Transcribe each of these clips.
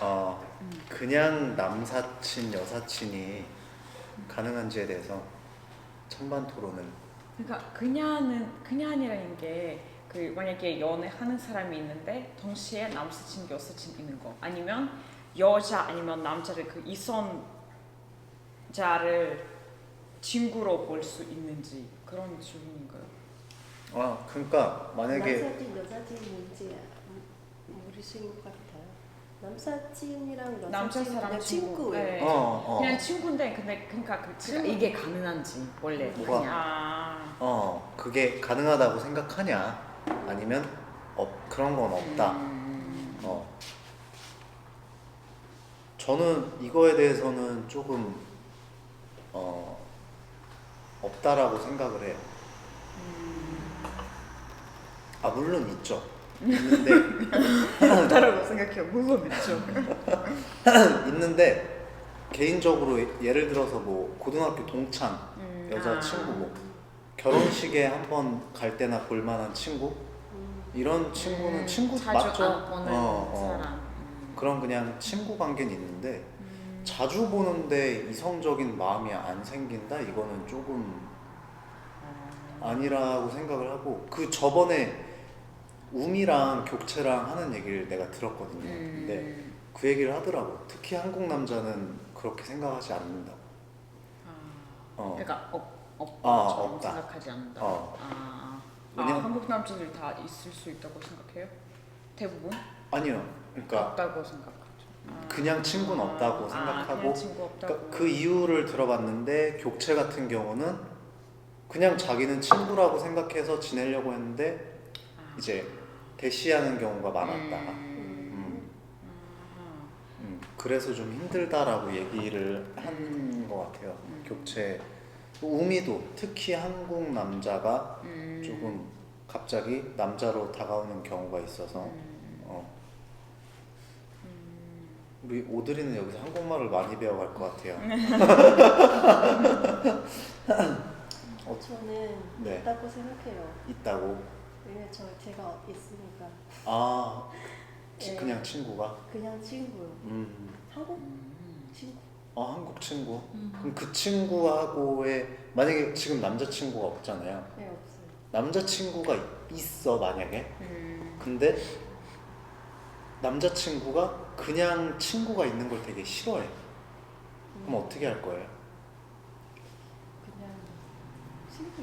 그냥 남사친, 여사친이 가능한지에 대해서 찬반 토론은. 그러니까 그냥이라는 게 그 만약에 연애하는 사람이 있는데 동시에 남사친, 여사친 있는 거 아니면 여자 아니면 남자를 그 이성자를 친구로 볼 수 있는지 그런 질문인가요? 그러니까 만약에 남사친, 여사친 문제야. 모르시는 것 같아요. 남사친이랑 남자 여사친 사람 그냥 친구. 친구예요. 네. 그냥 친구인데 근데 그러니까 그 친구 이게 가능한지 원래 뭐가? 그냥 그게 가능하다고 생각하냐 아니면 그런 건 없다. 저는 이거에 대해서는 조금 없다라고 생각을 해요. 물론 있죠. 있는데 없다라고 생각해요. 물론 있죠. 있는데 개인적으로 예를 들어서 뭐 고등학교 동창 여자 친구 뭐 결혼식에 한번 갈 때나 볼 만한 친구 이런 친구는 친구 자주 맞죠? 안 보는 사람. 그런 그냥 친구 관계는 있는데 자주 보는데 이성적인 마음이 안 생긴다? 이거는 조금 아니라고 생각을 하고 그 저번에 우미랑 교체랑 하는 얘기를 내가 들었거든요. 근데 그 얘기를 하더라고. 특히 한국 남자는 그렇게 생각하지 않는다고. 그러니까 없다. 생각하지 않는다. 왜냐면 한국 남자들 다 있을 수 있다고 생각해요? 대부분? 아니요. 그러니까 없다고 생각하죠. 그냥 친구는 없다고 생각하고 그냥 친구 없다고. 그러니까 그 이유를 들어봤는데 교체 같은 경우는 그냥 자기는 친구라고 생각해서 지내려고 했는데 이제 대시하는 경우가 많았다. 그래서 좀 힘들다라고 얘기를 한 것 같아요. 교체. 우미도 특히 한국 남자가 조금 갑자기 남자로 다가오는 경우가 있어서 우리 오드리는 여기서 한국말을 많이 배워갈 것 같아요. 저는 네. 있다고 생각해요. 있다고? 왜냐면 제가 있으니까. 네. 그냥 친구가? 그냥 친구요. 한국 친구. 한국 친구? 그럼 그 친구하고의 만약에 지금 남자친구가 없잖아요. 네, 없어요. 남자친구가 있어 만약에 근데 남자친구가 그냥 친구가 있는 걸 되게 싫어해. 그럼 어떻게 할 거예요? 그냥 친구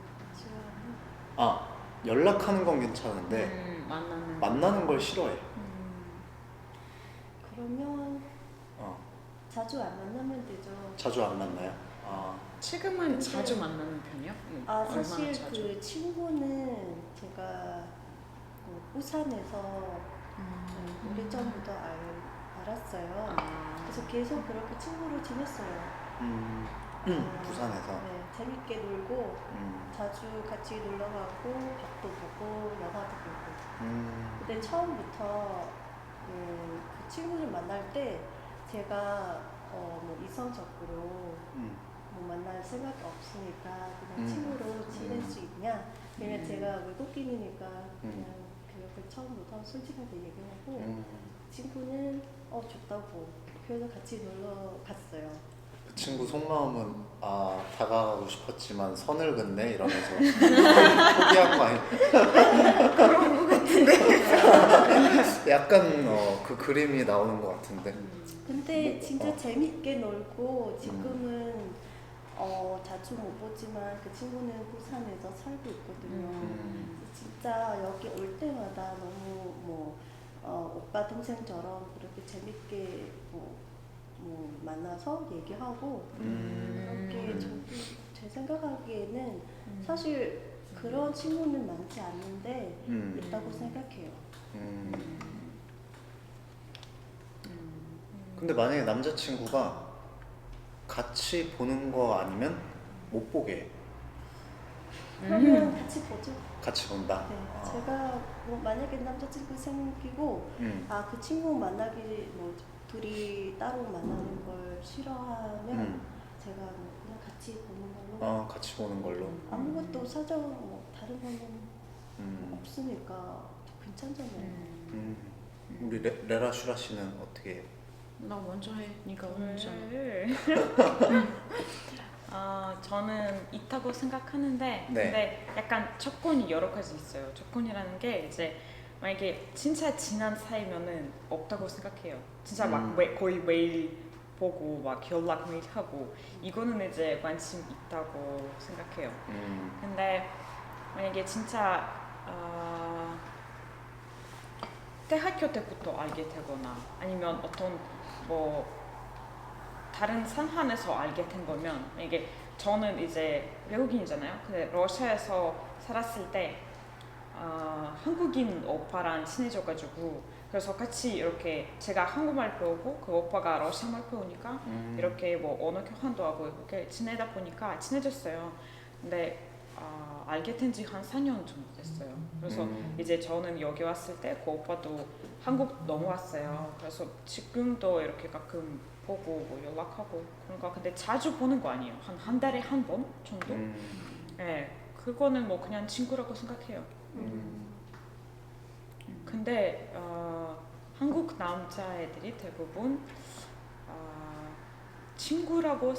있다. 연락하는 건 괜찮은데 만나는 걸 싫어해. 그러면 자주 안 만나면 되죠. 자주 안 만나요? 지금은 자주 만나는 편이요? 사실 자주? 그 친구는 제가 부산에서 오래전부터 알았어요. 그래서 계속 그렇게 친구로 지냈어요. 부산에서? 네, 재밌게 놀고 자주 같이 놀러 가고 밥도 보고 영화도 보고. 근데 처음부터 그 친구를 만날 때 제가 뭐 이성적으로 뭐 만날 생각이 없으니까 그냥 친구로 지낼 수 있냐? 왜냐면 제가 외국인이니까 그냥 그렇게 처음부터 솔직하게 얘기하고 친구는 좋다고 그래서 같이 놀러 갔어요. 그 친구 속마음은 다가가고 싶었지만 선을 긋네 이러면서 포기한 거 아니야? 그런 거 같은데. 약간 그 그림이 나오는 것 같은데. 근데 진짜 재밌게 놀고 지금은 자주 못 보지만 그 친구는 부산에서 살고 있거든요. 진짜 여기 올 때마다 너무 뭐 오빠 동생처럼 그렇게 재밌게 뭐 만나서 얘기하고 그렇게 제 생각하기에는 사실 그런 친구는 많지 않는데 있다고 생각해요. 근데 만약에 남자친구가 같이 보는 거 아니면 못 보게 해. 그러면 같이 보죠. 같이 본다? 네, 제가 뭐 만약에 남자친구 생기고 그 친구 만나기 뭐 둘이 따로 만나는 걸 싫어하면 제가 뭐 그냥 같이 보는 걸로. 같이 보는 걸로. 아무것도 사정 뭐 다른 거는 없으니까 괜찮잖아요. 우리 레라 슈라 씨는 어떻게? 나 먼저 해. 네가 먼저. 왜? 저는 있다고 생각하는데 네. 근데 약간 조건이 여러 가지 있어요. 조건이라는 게 이제 만약에 진짜 친한 사이면은 없다고 생각해요. 진짜 막 거의 매일 보고 막 연락 매일 하고 이거는 이제 관심 있다고 생각해요. 근데 만약에 진짜 대학교 때부터 알게 되거나 아니면 어떤 뭐 다른 상황에서 알게 된 거면 이게 저는 이제 외국인이잖아요. 근데 러시아에서 살았을 때 한국인 오빠랑 친해져가지고 그래서 같이 이렇게 제가 한국말 배우고 그 오빠가 러시아말 배우니까 이렇게 뭐 언어 교환도 하고 이렇게 지내다 보니까 친해졌어요. 근데 알게 된 지 한 4년 정도 됐어요. 그래서 이제 저는 여기 왔을 때 그 오빠도 한국 넘어왔어요. 그래서 지금도 이렇게 가끔 보고 뭐 연락하고 그런 거. 근데 자주 보는 거 아니에요. 한 달에 한 번 정도? 네, 그거는 뭐 그냥 친구라고 생각해요. 근데 한국 남자애들이 대부분 친구라고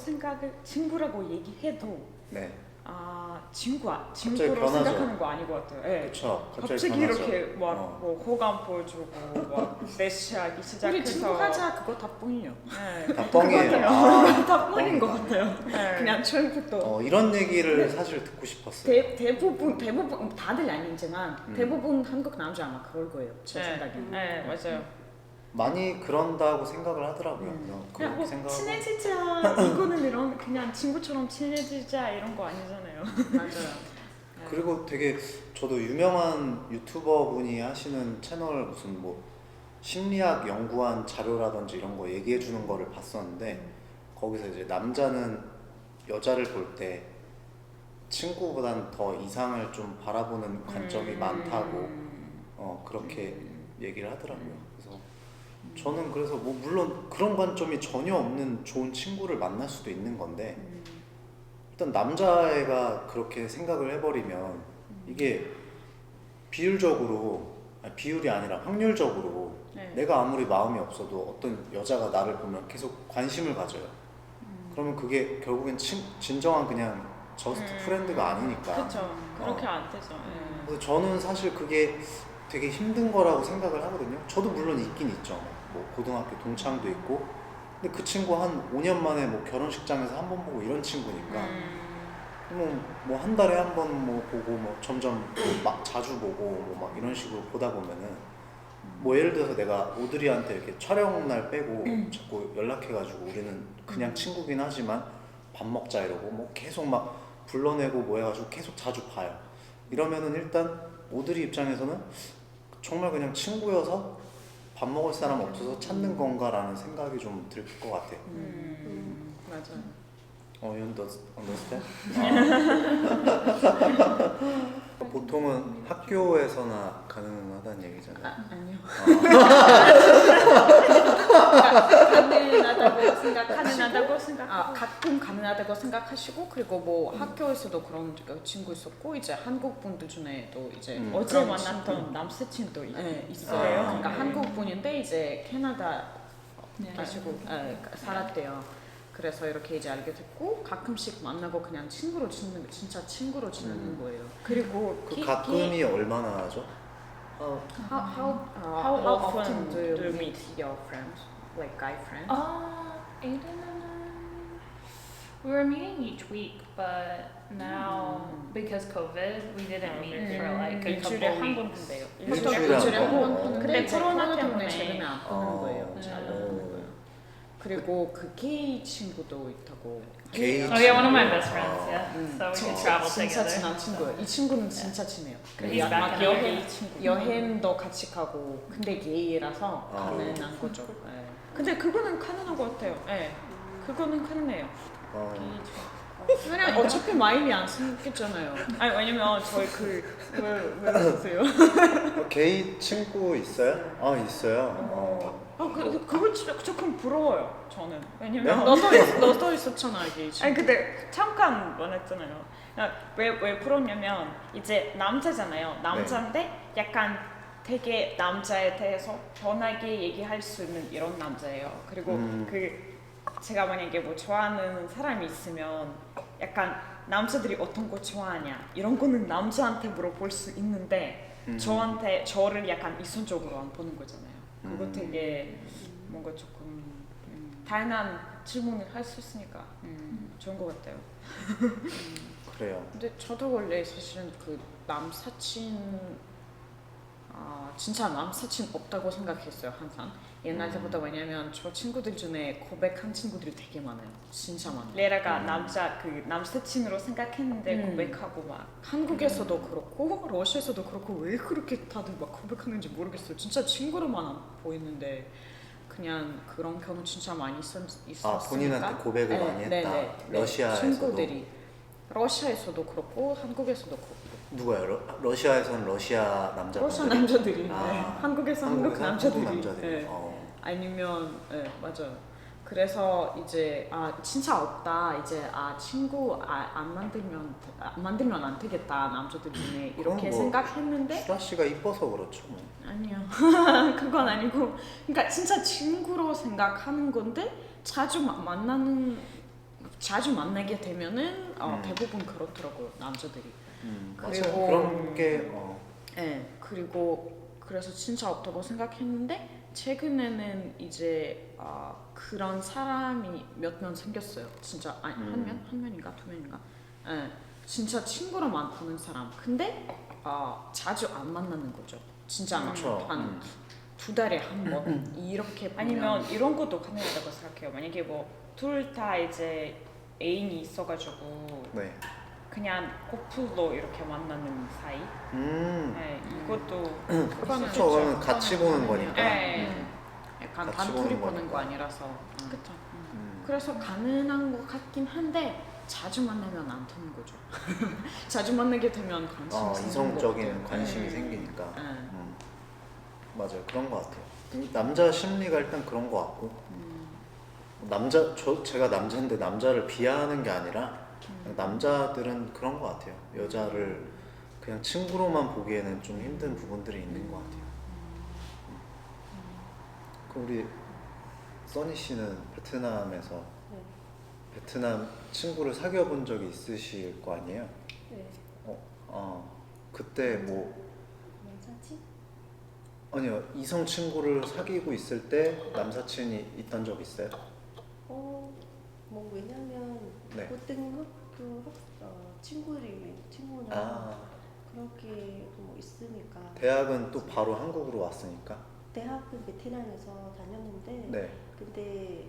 얘기해도 네. 친구로 변하죠. 생각하는 거 아닌 것 같아요. 네. 그렇죠. 갑자기 변하죠. 이렇게 뭐 호감 보여주고 막 대시하기 우리 시작해서 친구하자 그거 다 뻥이요. 네. 다 뻥이에요. 다 뻥인 것 같아요. 네. 그냥 처음부터. 이런 얘기를 사실 듣고 싶었어요. 대부분 다들 아니지만 대부분 한국 남자 아마 그럴 거예요. 제 생각에. 네, 맞아요. 많이 그런다고 생각을 하더라고요. 그냥 그렇게 뭐 생각하고. 친해지자 이거는 이런 그냥 친구처럼 친해지자 이런 거 아니잖아요. 맞아요. 그리고 되게 저도 유명한 유튜버 분이 하시는 채널 무슨 뭐 심리학 연구한 자료라든지 이런 거 얘기해 주는 거를 봤었는데 거기서 이제 남자는 여자를 볼 때 친구보단 더 이상을 좀 바라보는 관점이 많다고 그렇게 얘기를 하더라고요. 그래서 저는 그래서 뭐 물론 그런 관점이 전혀 없는 좋은 친구를 만날 수도 있는 건데 일단 남자애가 그렇게 생각을 해버리면 이게 비율이 아니라 확률적으로 네. 내가 아무리 마음이 없어도 어떤 여자가 나를 보면 계속 관심을 가져요. 그러면 그게 결국엔 진정한 그냥 저스트 프렌드가 아니니까. 그렇죠. 그렇게 안 되죠. 네. 그래서 저는 사실 그게 되게 힘든 거라고 생각을 하거든요. 저도 물론 있긴 있죠. 뭐 고등학교 동창도 있고 근데 그 친구 한 5년 만에 뭐 결혼식장에서 한 번 보고 이런 친구니까 뭐 한 달에 한 번 뭐 보고 뭐 점점 막 자주 보고 뭐 막 이런 식으로 보다 보면은 뭐 예를 들어서 내가 오드리한테 이렇게 촬영 날 빼고 자꾸 연락해가지고 우리는 그냥 친구긴 하지만 밥 먹자 이러고 뭐 계속 막 불러내고 뭐 해가지고 계속 자주 봐요. 이러면은 일단 오드리 입장에서는 정말 그냥 친구여서 밥 먹을 사람 없어서 찾는 건가라는 생각이 좀 들 것 같아. 맞아요. You understand? 보통은 학교에서나 가능하다는 얘기잖아요. 아니요. 가능하다고 생각하고 가끔 가능하다고 생각하시고 그리고 뭐 학교에서도 그런 친구 있었고 이제 한국 분들 중에도 이제 어제 그런 만났던 남사친도 네, 있어요. 있어요. 그러니까 네. 한국 분인데 이제 캐나다 가시고 살았대요. 그래서 이렇게 이제 알게 됐고 가끔씩 만나고 그냥 진짜 친구로 지내는 거예요. 그리고 그 가끔이 얼마나 하죠? How often do you meet your friends, like guy friends? Aiden and I, we were meeting each week, but now because COVID, we didn't meet for like a 일주일에 couple 한 번 weeks. 한대요. 일주일에 한 번? 근데 근데 코로나 코로나 때문에 때문에 최근에 안 보는 거예요. 네. 잘 안 보는 거예요. 그리고 그 게이 친구도 있다고. 게이 Oh yeah, one of my 친구. best friends. Yeah, so we could 진짜 travel 진짜 together. 친한 친구예요. 이 친구는 진짜 친해요. He's back 막 in 여행 여행도 같이 가고 근데 게이라서 아. 가능한 거죠. 네. 근데 그거는 가능한 것 같아요. 네. 그거는 가능해요. 왜냐면 어차피 마음이 안 생겼잖아요. 아니 왜냐면 저희 왜 그러세요? 게이 친구 있어요? 있어요. 그걸 조금 부러워요. 저는 왜냐면 너도 있었잖아 게이 친구. 아니 근데 잠깐 말했잖아요. 왜 부럽냐면 이제 남자잖아요. 남자인데 약간 되게 남자에 대해서 편하게 얘기할 수 있는 이런 남자예요. 그리고 제가 만약에 뭐 좋아하는 사람이 있으면 약간 남자들이 어떤 거 좋아하냐 이런 거는 남자한테 물어볼 수 있는데 저를 약간 이성적으로 안 보는 거잖아요. 그거 되게 뭔가 조금 다양한 질문을 할 수 있으니까 좋은 것 같아요. 그래요. 근데 저도 원래 사실은 그 남사친 진짜 남사친 없다고 생각했어요 항상 옛날 때보다. 왜냐면 저 친구들 중에 고백한 친구들이 되게 많아요. 진짜 많아요. 레라가 남사친으로 생각했는데 고백하고 막 한국에서도 그렇고 러시아에서도 그렇고 왜 그렇게 다들 막 고백하는지 모르겠어요. 진짜 친구로만 보이는데 그냥 그런 경우 진짜 많이 있었으니까. 본인한테 고백을 많이 했다. 러시아에서도. 친구들이 러시아에서도 그렇고 한국에서도 그렇고. 누가요? 러시아에서는 러시아 남자분들? 러시아 남자들이 한국에서 한국 남자들이. 남자들이. 아니면 맞아요. 그래서 이제 진짜 없다. 이제 친구 안 만들면 안 되겠다 남자들 중에 이렇게 뭐 생각했는데. 수라 씨가 이뻐서 그렇죠. 뭐. 아니요. 그건 아니고. 그러니까 진짜 친구로 생각하는 건데 자주 만나게 되면은 대부분 그렇더라고요 남자들이. 그리고 그런 게 그리고 그래서 진짜 없다고 생각했는데 최근에는 이제 그런 사람이 몇 명 생겼어요. 진짜 한 명인가 두 명인가. 진짜 친구로만 보는 사람. 근데 자주 안 만나는 거죠. 진짜 한 두 달에 한 번 이렇게 보면. 아니면 이런 것도 가능하다고 생각해요. 만약에 뭐 둘 다 이제 애인이 있어가지고 그냥 커플로 이렇게 만나는 사이. 네, 이것도 그거는 같이 보는 거니까. 약간 같이 단둘이 보는 보는 거 거니까. 아니라서. 그쵸. 그래서 가능한 것 같긴 한데 자주 만나면 안 되는 거죠. 자주 만나게 되면 관심이 생기는 이성적인 것 관심이 같아요. 생기니까. 맞아요. 그런 것 같아요. 남자 심리가 일단 그런 것 같고. 제가 남자인데 남자를 비하하는 게 아니라 남자들은 그런 것 같아요. 여자를 그냥 친구로만 보기에는 좀 힘든 부분들이 있는 것 같아요. 그럼 우리 써니 씨는 베트남에서 베트남 친구를 사귀어 본 적이 있으실 거 아니에요? 네. 그때 뭐 남사친? 아니요, 이성 친구를 사귀고 있을 때 남사친이 있던 적 있어요? 뭐 왜냐면 고등학교 친구나 그렇게 뭐 있으니까. 대학은 또 바로 한국으로 왔으니까. 대학은 베트남에서 다녔는데 근데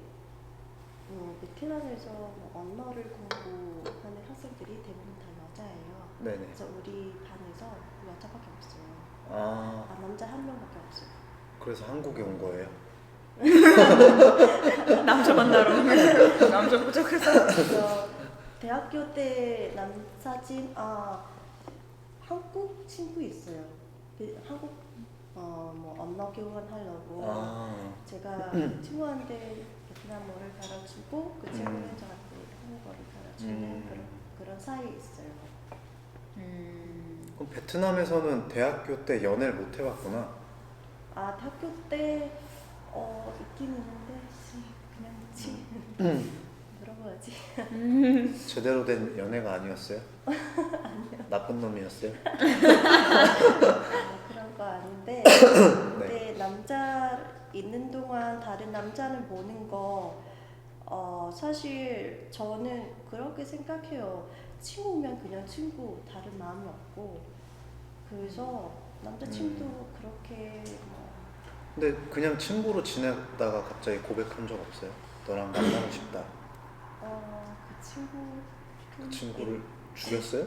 베트남에서 뭐 언어를 공부하는 학생들이 대부분 다 여자예요. 네네. 그래서 우리 반에서 여자밖에 없어요. 남자 한 명밖에 없어요. 그래서 한국에 온 거예요? 남자 만나러 남자 부족해서. 그래서 대학교 때 남사친 한국 친구 있어요. 한국 뭐 언어 교환하려고 제가 친구한테 베트남어를 가르치고 그 친구는 저한테 한국어를 가르치는 그런 사이 있어요. 그럼 베트남에서는 대학교 때 연애를 못 해봤구나. 대학교 때 있긴 있는데 그냥 뭐라고 하지? 제대로 된 연애가 아니었어요? 아니요. 나쁜 놈이었어요? 그런 거 아닌데 네. 근데 남자 있는 동안 다른 남자는 보는 거 사실 저는 그렇게 생각해요. 친구면 그냥 친구, 다른 마음이 없고. 그래서 남자친구도 그렇게 근데 그냥 친구로 지냈다가 갑자기 고백한 적 없어요? 너랑 만나고 싶다. 그 친구를 죽였어요?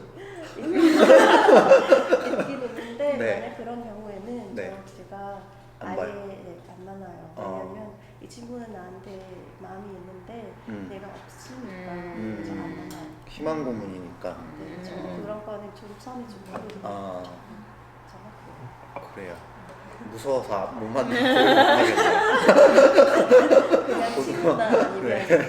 있긴 있는데 네. 만약 그런 경우에는 제가 안 아예 봐요? 안 만나요. 왜냐면 이 친구는 나한테 마음이 있는데 내가 없으니까 그래서 안 만나요. 희망 고문이니까. 저는 그런 거는 좀 선이 좀 다르거든요. 그래요. 무서워서 못 만나고 그냥 친구나 아니면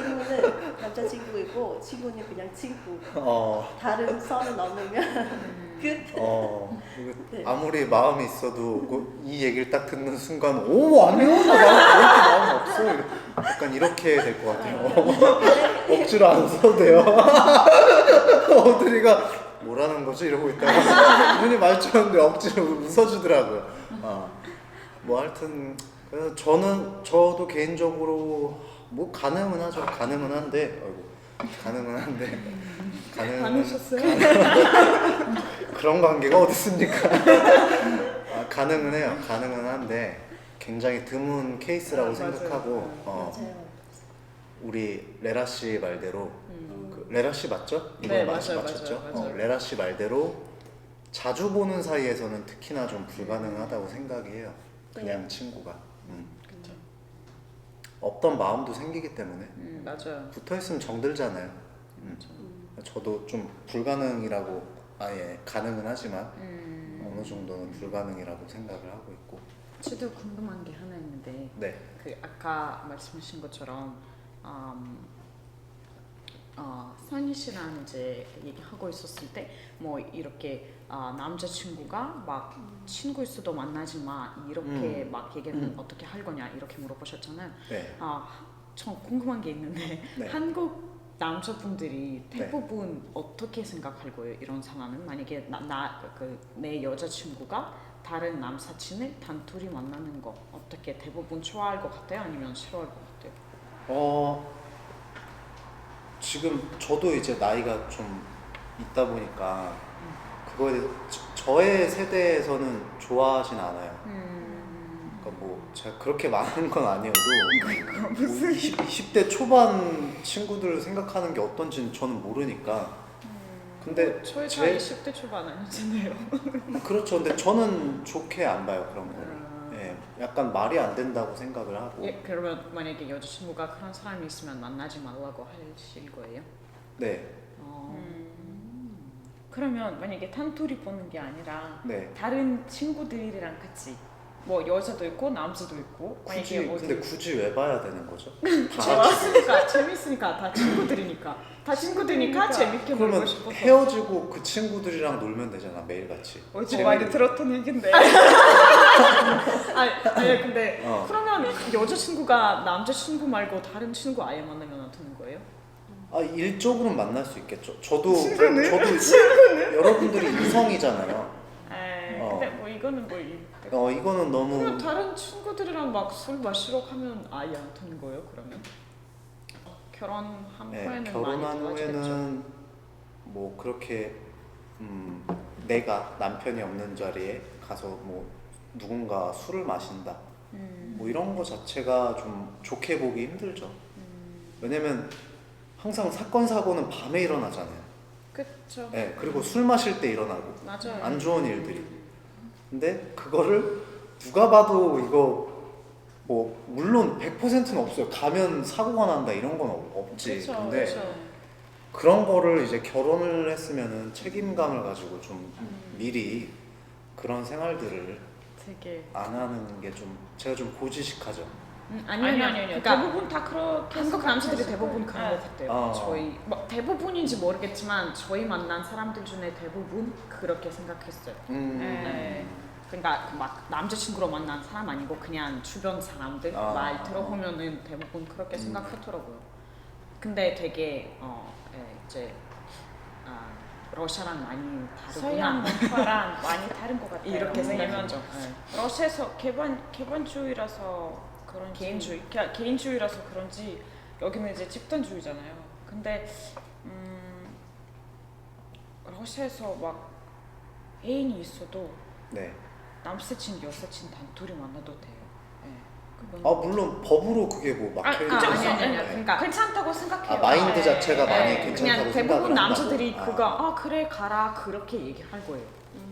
남자친구이고 친구는 그냥 친구. 다른 선을 넘으면 끝. 이거 네. 아무리 마음이 있어도 이 얘기를 딱 듣는 순간 오 아니요 나 그렇게 마음 없어 약간 이렇게 될 것 같아요. 억지로 안 써도 돼요. 어들이가 뭐라는 거지 이러고 있다가 눈이 마주쳤는데 억지로 웃어주더라고요. 뭐 하여튼 그래서 저도 개인적으로 뭐 가능은 하죠. 가능은 한데 많으셨어요? 그런 관계가 어디 있습니까? 가능은 해요. 가능은 한데 굉장히 드문 케이스라고 생각하고 맞아요. 우리 레라 씨 말대로 그 레라 씨 맞죠? 네, 이번에 맞아요, 맞췄죠? 맞아요. 레라 씨 말대로 자주 보는 사이에서는 특히나 좀 불가능하다고 생각해요. 그냥 친구가 그쵸. 없던 마음도 생기기 때문에 맞아요. 붙어있으면 정들잖아요. 저도 좀 불가능이라고 가능은 하지만 어느 정도는 불가능이라고 생각을 하고 있고. 저도 궁금한 게 하나 있는데 네. 그 아까 말씀하신 것처럼 선희 씨랑 이제 얘기하고 있었을 때 뭐 이렇게 남자친구가 막 친구일 수도 만나지 마 이렇게 막 얘기는 어떻게 할 거냐 이렇게 물어보셨잖아요. 네. 전 궁금한 게 있는데 네. 한국 남자분들이 대부분 어떻게 생각할 거예요? 이런 상황은 만약에 내 여자친구가 다른 남사친을 단둘이 만나는 거 어떻게 대부분 좋아할 것 같아요? 아니면 싫어할 것 같아요? 지금 저도 이제 나이가 좀 있다 보니까 그거에 대해서 저의 세대에서는 좋아하진 않아요. 그러니까 뭐 제가 그렇게 많은 건 아니어도 뭐 20대 초반 친구들 생각하는 게 어떤지는 저는 모르니까. 근데 저희 다 20대 초반 아니잖아요. 그렇죠. 근데 저는 좋게 안 봐요 그런 거를. 예, 약간 말이 안 된다고 생각을 하고. 예, 그러면 만약에 여자친구가 그런 사람이 있으면 만나지 말라고 하실 거예요? 네. 그러면 만약에 단둘이 보는 게 아니라 네. 다른 친구들이랑 같이 뭐 여자도 있고 남자도 있고 굳이 만약에 근데 굳이 왜 봐야 되는 거죠? 재밌으니까 다 친구들이니까 재밌게 놀고 그러면 싶어서. 헤어지고 그 친구들이랑 놀면 되잖아 매일같이. 어제 많이 들었던 얘긴데. 아니 근데 어. 그러면 여자친구가 남자친구 말고 다른 친구 아예 만나면 어떻게 거예요? 일적으로는 만날 수 있겠죠. 저도 여러분들이 이성이잖아요. 근데 뭐 이거는 이거는 너무 그러면 다른 친구들이랑 막 술 마시러 가면 아예 안 되는 거예요? 그러면 결혼한 후에는 결혼한 많이 달라지겠죠. 후에는 뭐 그렇게 내가 남편이 없는 자리에 가서 뭐 누군가 술을 마신다 뭐 이런 거 자체가 좀 좋게 보기 힘들죠. 왜냐면 항상 사건 사고는 밤에 일어나잖아요. 그렇죠. 네, 그리고 술 마실 때 일어나고 맞아요. 안 좋은 일들이. 근데 그거를 누가 봐도 이거 뭐 물론 100%는 없어요. 가면 사고가 난다 이런 건 없지. 그쵸, 근데 그쵸. 그런 거를 이제 결혼을 했으면은 책임감을 가지고 좀 미리 그런 생활들을 되게 안 하는 게 좀 제가 좀 고지식하죠. 아니요. 그러니까 대부분 다 그렇게 한국 남자들이 생각했을 대부분 거예요. 그런 것 같아요. 어. 저희 뭐 대부분인지 모르겠지만 저희 만난 사람들 중에 대부분 그렇게 생각했어요. 네. 그러니까 막 남자친구로 만난 사람 아니고 그냥 주변 사람들 말 들어보면은 대부분 그렇게 생각하더라고요. 근데 되게 이제 러시아랑 많이 서양 다르구나 문화랑 많이 다른 것 같아요. 이렇게 왜냐면 생각했죠. 러시아에서 개반주의라서 그런지 개인주의라서 그런지 여기는 이제 집단주의잖아요. 근데 러시아에서 막 애인이 있어도 네. 남사친 여사친 단둘이 만나도 돼요. 그건 물론 법으로 그게 뭐 막혀 있는 건 그쵸. 아니에요. 그러니까 괜찮다고 생각해요. 마인드 자체가 많이 그냥 괜찮다고 대부분 생각을 남자들이 한다고. 그거 그래 가라 그렇게 얘기할 거예요.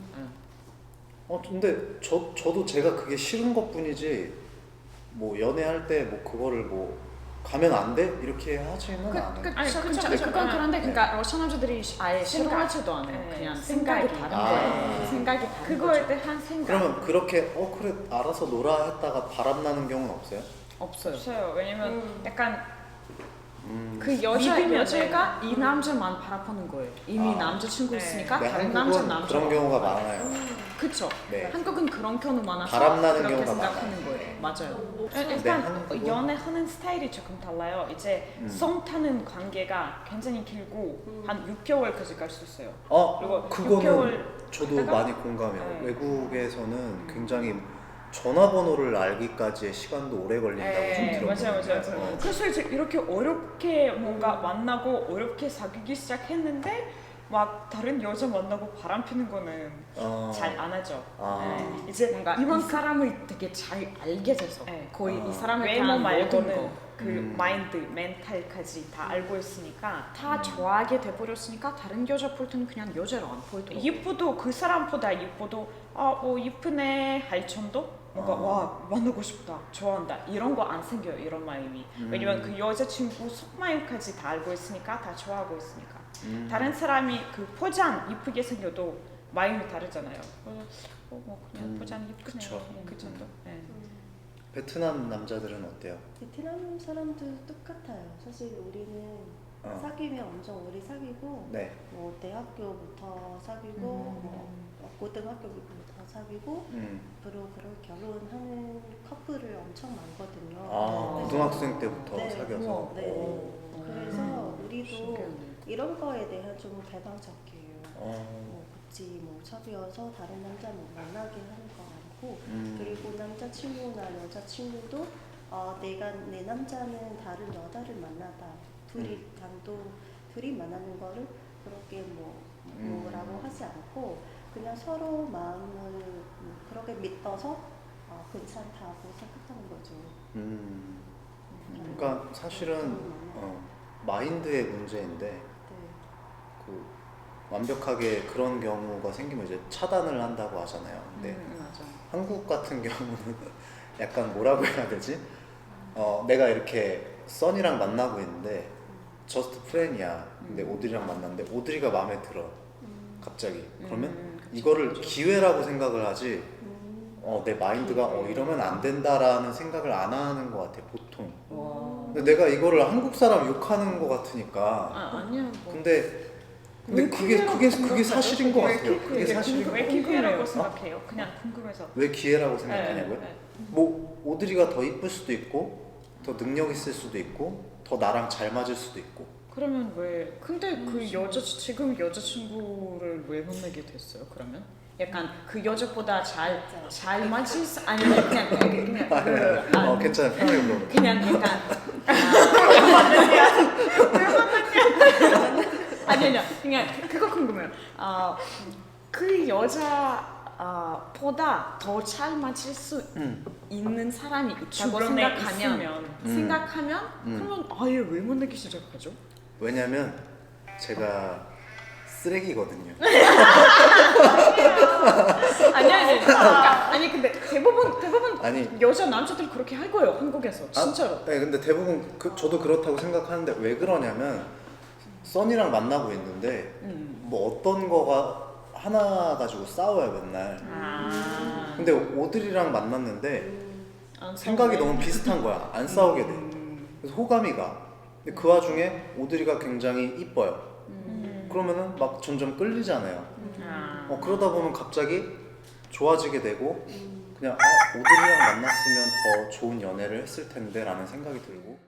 근데 저도 제가 그게 싫은 것뿐이지 뭐 연애할 때 뭐 그거를 뭐 가면 안 돼? 이렇게 하지는 않아요. 아니, 그쵸, 그쵸. 그건 그런데 네. 그러니까 러시아 남자들이 아예 싫어하지도 않아요. 네. 그냥 생각이 생각이 다른 아. 거예요. 생각이 다른 그거에 거죠. 대한 생각 그러면 그렇게 그래 알아서 놀아 했다가 바람 나는 경우는 없어요? 없어요. 없어요. 왜냐면 약간 그 믿으면은- 여자가 이 남자만 바라보는 거예요. 이미 아. 남자친구 네. 있으니까 네, 다른 남자 그런 경우가 많아요. 그쵸. 네. 한국은 그런 경우 많아서 바람 나는 그렇게 경우가 생각하는 많아요. 거예요. 맞아요. 일단 한국은- 연애하는 스타일이 조금 달라요. 이제 썸 타는 관계가 굉장히 길고 한 6개월까지 갈 수 있어요. 그리고 그거는 6개월 저도 갔다가- 많이 공감해요. 네. 외국에서는 굉장히 전화번호를 알기까지의 시간도 오래 걸린다고 좀 들었거든요. 맞아요. 그래서 이제 이렇게 어렵게 뭔가 만나고 어렵게 사귀기 시작했는데 막 다른 여자 만나고 바람 피는 거는 잘 안 하죠. 네. 이제 뭔가 이 사람을 되게 잘 알게 돼서 네. 거의 이 사람에 외모 대한 모든 말고는 거 그 마인드, 멘탈까지 다 알고 있으니까 다 좋아하게 돼버렸으니까 다른 여자 볼 때는 그냥 여자로 안 보이더라고요. 예뻐도 그 사람보다 예뻐도 뭐 예쁘네 할 정도? 뭔가 와 만나고 싶다, 좋아한다 이런 거 안 생겨요. 이런 마음이. 왜냐면 그 여자친구 속마음까지 다 알고 있으니까 다 좋아하고 있으니까. 다른 사람이 그 포장 예쁘게 생겨도 마음이 다르잖아요. 뭐 그냥 포장 예쁘네 그쵸. 그 정도. 네. 베트남 남자들은 어때요? 베트남 사람도 똑같아요. 사실 우리는 사귀면 엄청 오래 사귀고 네. 뭐 대학교부터 사귀고 뭐 고등학교부터 사귀고 앞으로 그런 결혼하는 커플을 엄청 많거든요. 고등학생 때부터 네, 사귀어서. 네. 그래서 우리도 신기하네. 이런 거에 대한 좀 개방적이에요. 어. 뭐 굳이 뭐 사귀어서 다른 남자 뭐 만나게 하는 거 아니고 그리고 남자친구나 여자친구도 내가 내 남자는 다른 여자를 만나다 둘이 만나는 거를 그렇게 뭐라고 하지 않고 그냥 서로 마음을 그렇게 믿어서 괜찮다고 생각하는 거죠. 그러니까 사실은 마인드의 문제인데 네. 그 완벽하게 그런 경우가 생기면 이제 차단을 한다고 하잖아요. 근데 맞아. 한국 같은 경우는 약간 뭐라고 해야 되지? 내가 이렇게 써니랑 만나고 있는데 저스트 프렌이야. 근데 오드리랑 만났는데 오드리가 마음에 들어. 갑자기. 그러면 이거를 기회라고 생각을 하지. 내 마인드가 이러면 안 된다라는 생각을 안 하는 것 같아 보통. 근데 내가 이거를 한국 사람 욕하는 것 같으니까. 아니야. 뭐. 근데 왜 그게 사실인 것 같아요. 그게 사실인 것 왜 같아요. 기회라고 생각해요? 그냥 궁금해서. 왜 기회라고 생각하냐고요? 네. 뭐 오드리가 더 이쁠 수도 있고 더 능력 있을 수도 있고 더 나랑 잘 맞을 수도 있고. 그러면 왜? 근데 그 지금 여자친구를 왜 만나게 됐어요? 그러면? 약간 그 여자보다 잘 맞을 아니면 그냥 괜찮아요. 편하게 물어볼게요. 그냥 약간 아니요 그냥 그거 궁금해요. 그 여자 보다 더 잘 맞을 수 있는 사람이 있다고 주변에 생각하면 그러면 아예 왜 만나기 시작하죠? 왜냐면 제가 쓰레기거든요. 아니 근데 대부분 아니. 여자 남자들 그렇게 할 거예요 한국에서 진짜로. 네, 근데 대부분 저도 그렇다고 생각하는데 왜 그러냐면 써니랑 만나고 있는데 뭐 어떤 거가 하나 가지고 싸워요 맨날. 근데 오드리랑 만났는데 생각이 너무 비슷한 거야. 안 싸우게 돼. 그래서 호감이 가. 근데 그 와중에 오드리가 굉장히 이뻐요. 그러면은 막 점점 끌리잖아요. 그러다 보면 갑자기 좋아지게 되고 그냥 오드리랑 만났으면 더 좋은 연애를 했을 텐데 라는 생각이 들고